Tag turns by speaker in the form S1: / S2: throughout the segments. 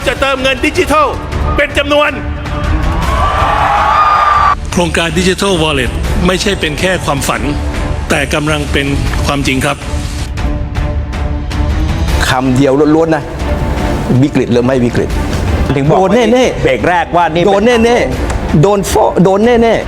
S1: จะเติมเงินดิจิทัลเป็นจำนวน
S2: โครงการดิจิทัลวอลเล็ตไม่ใช่เป็นแค่ความฝัน แต่กำลังเป็นความจริงครับ
S3: คำเดียวล้วนๆนะวิกฤตหรือไม่วิกฤต
S4: ถึงบอก
S3: โดนแน่ๆ
S4: เบรกแรกว่านี่
S3: โดนแน่ๆโดนแน่ๆ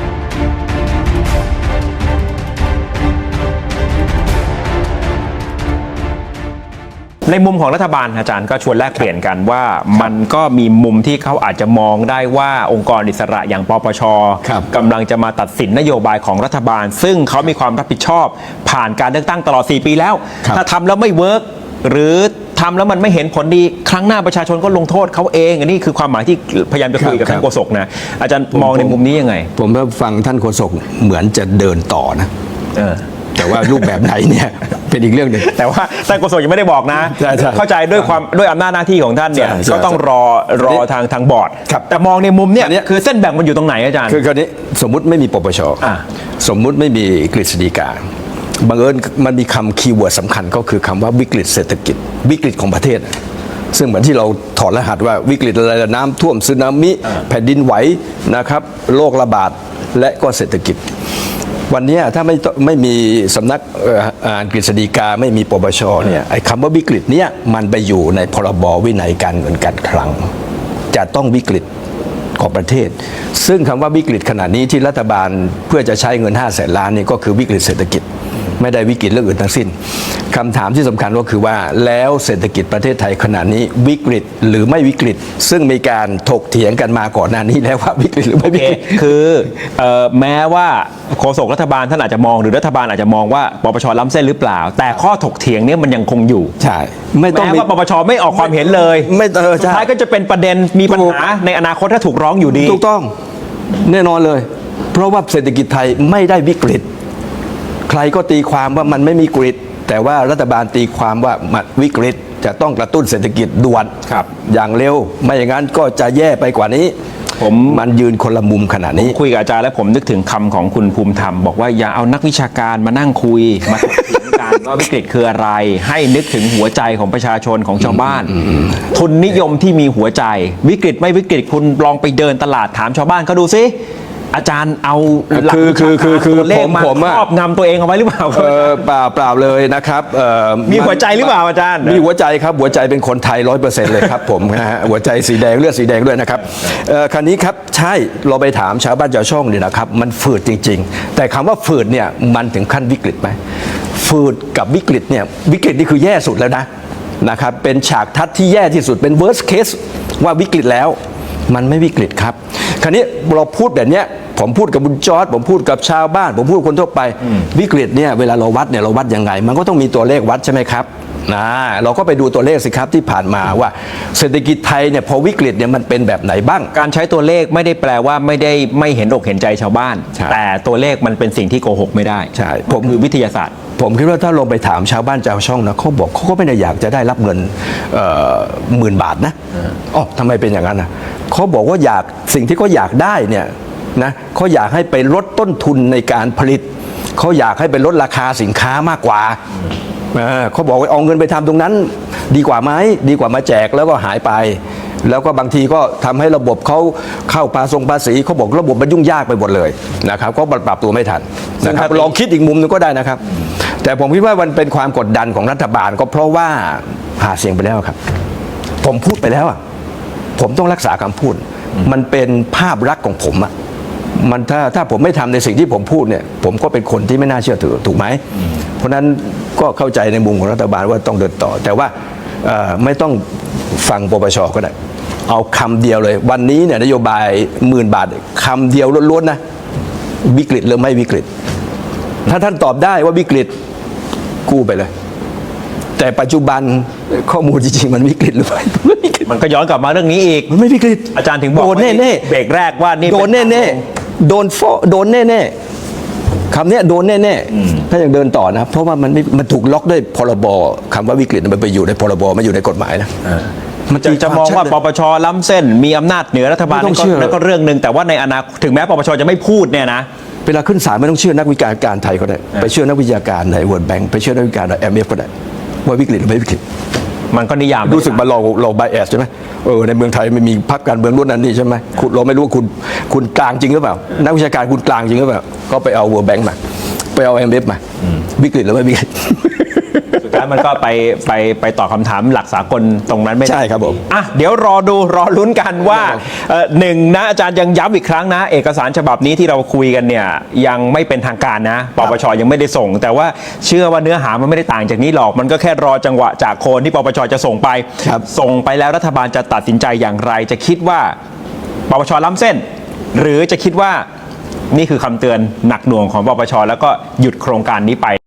S4: ในมุมของรัฐบาลอาจารย์ก็ชวนแลกเปลี่ยนกันว่ามันก็มีมุมที่เขาอาจจะมองได้ว่าองค์กรอิสระอย่างปปช.กำลังจะมาตัดสินนโยบายของรัฐบาล ซึ่งเขามีความรับผิดชอบผ่านการเลือกตั้งตลอด4 ปีแล้วถ้าทำแล้วไม่เวิร์กหรือทำแล้วมันไม่เห็นผลดีครั้งหน้าประชาชนก็ลงโทษเขาเองอันนี้คือความหมายที่พยายามจะคุยกับท่านโฆษกนะอาจารย์มองในมุมนี้ยังไง
S3: ผมฟังท่านโฆษกเหมือนจะเดินต่อนะแต่ว่ารูปแบบไหนเนี่ย เป็นอีกเรื่องหนึ่ง
S4: แต่ว่าท่านโฆษกยังไม่ได้บอกนะเข้าใจด้วยอำนาจหน้าที่ของท่านเนี่ยก็ต้องรอทางบอร์ดแต่มองในมุมเนี่ยคือเส้นแบ่งมันอยู่ตรงไหนอาจารย์
S3: คือคราวนี้สมมุติไม่มีปปช.สมมุติไม่มีกฤษฎีกาบังเอิญมันมีคำคีย์เวิร์ดสำคัญก็คือคำว่าวิกฤตเศรษฐกิจวิกฤตของประเทศซึ่งเหมือนที่เราถอดรหัสว่าวิกฤตอะไรน้ำท่วมสึนามิแผ่นดินไหวนะครับโรคระบาดและก็เศรษฐกิจวันนี้ถ้าไม่มีสำนักกฤษฎีกาไม่มีปปช.เนี่ยไอ้คำว่าวิกฤตเนี้ยมันไปอยู่ในพรบวินัยการเงินการคลังจะต้องวิกฤตของประเทศซึ่งคำว่าวิกฤตขนาดนี้ที่รัฐบาลเพื่อจะใช้เงิน500,000 ล้านนี่ก็คือวิกฤตเศรษฐกิจไม่ได้วิกฤตเรื่องอื่นทั้งสิ้นคำถามที่สำคัญก็คือว่าแล้วเศรษฐกิจประเทศไทยขณะนี้วิกฤตหรือไม่วิกฤตซึ่งมีการถกเถียงกันมาก่อนหน้านี้แล้วว่าวิกฤตหรือไม่วิกฤต
S4: คือแม้ว่าโฆษกรัฐบาลท่านอาจจะมองหรือรัฐบาลอาจจะมองว่าปปช.ล้ำเส้นหรือเปล่าแต่ข้อถกเถียงนี้มันยังคงอยู่
S3: ใช่ไม่ต้อง
S4: แม้ว่าปปช.ไม่ออกความเห็นเลย
S3: ไม่
S4: สุดท้ายก็จะเป็นประเด็นมีปัญหาในอนาคตถ้าถูกร้องอยู่ดี
S3: ถูกต้องแน่นอนเลยเพราะว่าเศรษฐกิจไทยไม่ได้วิกฤตใครก็ตีความว่ามันไม่มีวิกฤตแต่ว่ารัฐบาลตีความว่ามันวิกฤตจะต้องกระตุ้นเศรษฐกิจด่วนอย่างเร็วไม่อย่างนั้นก็จะแย่ไปกว่านี้มันยืนคนละมุมขนาดนี้
S4: คุยกับอาจารย์แล้วผมนึกถึงคำของคุณภูมิธรรมบอกว่าอย่าเอานักวิชาการมานั่งคุยมาถกเถียงกันว่าวิกฤตคืออะไรให้นึกถึงหัวใจของประชาชนของชาวบ้านทุนนิยมที่มีหัวใจวิกฤตไม่วิกฤตคุณลองไปเดินตลาดถามชาวบ้านเขาดูสิอาจารย์เอาหลักตัวเลขมาครอบงำตัวเองเอาไว้หรือเปล่า
S3: เปล่าเลยนะครับ
S4: มีหัวใจหรือเปล่าอาจารย์
S3: มีหัวใจครับหัวใจเป็นคนไทย 100% เลยครับผมนะฮะหัวใจสีแดงเลือดสีแดงด้วยนะครับคราวนี้ครับใช่เราไปถามชาวบ้านชาวช่องเนี่ยนะครับมันฝืดจริงๆแต่คำว่าฝืดเนี่ยมันถึงขั้นวิกฤตไหมฝืดกับวิกฤตเนี่ยวิกฤตนี่คือแย่สุดแล้วนะครับเป็นฉากทัศน์ที่แย่ที่สุดเป็น worst case ว่าวิกฤตแล้วมันไม่วิกฤตครับคราวนี้เราพูดแบบเนี้ยผมพูดกับบุญจอร์จผมพูดกับชาวบ้านผมพูดคนทั่วไปวิกฤตเนี่ยเวลาเราวัดเนี่ยเราวัดยังไงมันก็ต้องมีตัวเลขวัดใช่ไหมครับเราก็ไปดูตัวเลขสิครับที่ผ่านมาว่าเศรษฐกิจไทยเนี่ยพอวิกฤตเนี่ยมันเป็นแบบไหนบ้าง
S4: การใช้ตัวเลขไม่ได้แปลว่าไม่เห็นอกเห็นใจชาวบ้านแต่ตัวเลขมันเป็นสิ่งที่โกหกไม่ได้
S3: ใช่
S4: ผมคือวิทยาศาสตร์
S3: ผมคิดว่าถ้าลงไปถามชาวบ้านชาวช่องนะเขาบอกเขาก็ไม่ได้อยากจะได้รับเงิน10,000 บาทนะทำไมเป็นอย่างนั้นนะเขาบอกว่าอยากสิ่งที่เขาอยากได้เนี่ยนะเขาอยากให้ไปลดต้นทุนในการผลิตเขาอยากให้ไปลดราคาสินค้ามากกว่าเขาบอกว่าเอาเงินไปทำตรงนั้นดีกว่าไหมดีกว่ามาแจกแล้วก็หายไปแล้วก็บางทีก็ทำให้ระบบเขาเข้าภาษีเขาบอกระบบมันยุ่งยากไปหมดเลยนะครับก็ปรับตัวไม่ทันนะครับลองคิดอีกมุมนึงก็ได้นะครับแต่ผมคิดว่ามันเป็นความกดดันของรัฐบาลก็เพราะว่าหาเสียงไปแล้วครับผมพูดไปแล้วผมต้องรักษาคำพูดมันเป็นภาพลักษณ์ของผมมันถ้าผมไม่ทำในสิ่งที่ผมพูดเนี่ยผมก็เป็นคนที่ไม่น่าเชื่อถือถูกไหมเพราะนั้นก็เข้าใจในมุมของรัฐบาลว่าต้องเดินต่อแต่ว่าไม่ต้องฟังปปช.ก็ได้เอาคำเดียวเลยวันนี้เนี่ยนโยบาย10,000 บาทคำเดียวล้วนๆนะวิกฤตหรือไม่วิกฤตถ้าท่านตอบได้ว่าวิกฤตกู้ไปเลยแต่ปัจจุบันข้อมูลจริงๆมันวิกฤตหรือไม่
S4: มันก็ย้อนกลับมาเรื่องนี้อีก
S3: มันไม่วิกฤต
S4: อาจารย์ถึงบอก
S3: โดนแน่
S4: ๆเบรกแรกว่านี่
S3: โดนแน่ๆโดนแน่ๆคำนี้โดนแน่ๆถ้ายังเดินต่อนะเพราะว่ามันถูกล็อกด้วยพรบคำว่าวิกฤตมันไปอยู่ในพรบมันอยู่ในกฎหมายนะ
S4: มันจะมองว่าปปช.ล้ำเส้นมีอำนาจเหนือรัฐบาลนั่นก็เรื่องหนึ่งแต่ว่าในอนาคตถึงแม้ปปช.จะไม่พูดเนี่ยนะ
S3: เวลาขึ้นศาลไม่ต้องเชื่อนักวิชาการไทยก็ได้ไปเชื่อนักวิชาการใน World Bank ไปเชื่อนักวิชาการใน IMF ก็ได้ว่าวิกฤตหรือไม่วิกฤต
S4: มันก็นิยาม
S3: รู้สึกมาเราไบแอสใช่ไหมในเมืองไทยไม่มีพรรคการเมืองรุ่นนั้นนี่ใช่ไหมเราไม่รู้ว่าคุณกลางจริงหรือเปล่านักวิชาการคุณกลางจริงหรือเปล่าก็ไปเอา World Bank มาไปเอา IMF มาวิกฤตหรือไม่วิกฤต
S4: สุดท้ายมันก็ไปตอบคำถามหลักสากลตรงนั้นไม่ได้
S3: ใช่ครับผม
S4: อ่ะเดี๋ยวรอลุ้นกันว่าหนึ่งนะอาจารย์ยังย้ำอีกครั้งนะเอกสารฉบับนี้ที่เราคุยกันเนี่ยยังไม่เป็นทางการนะปปชยังไม่ได้ส่ง แต่ว่าเชื่อว่าเนื้อหามันไม่ได้ต่างจากนี้หรอกมันก็แค่รอจังหวะจากโคนที่ปปชจะส่งไป
S3: ครับ
S4: ส่งไปแล้วรัฐบาลจะตัดสินใจอย่างไรจะคิดว่าปปชล้ำเส้น หรือจะคิดว่านี่คือคำเตือนหนักหน่วงของปปชแล้วก็หยุดโครงการนี้ไป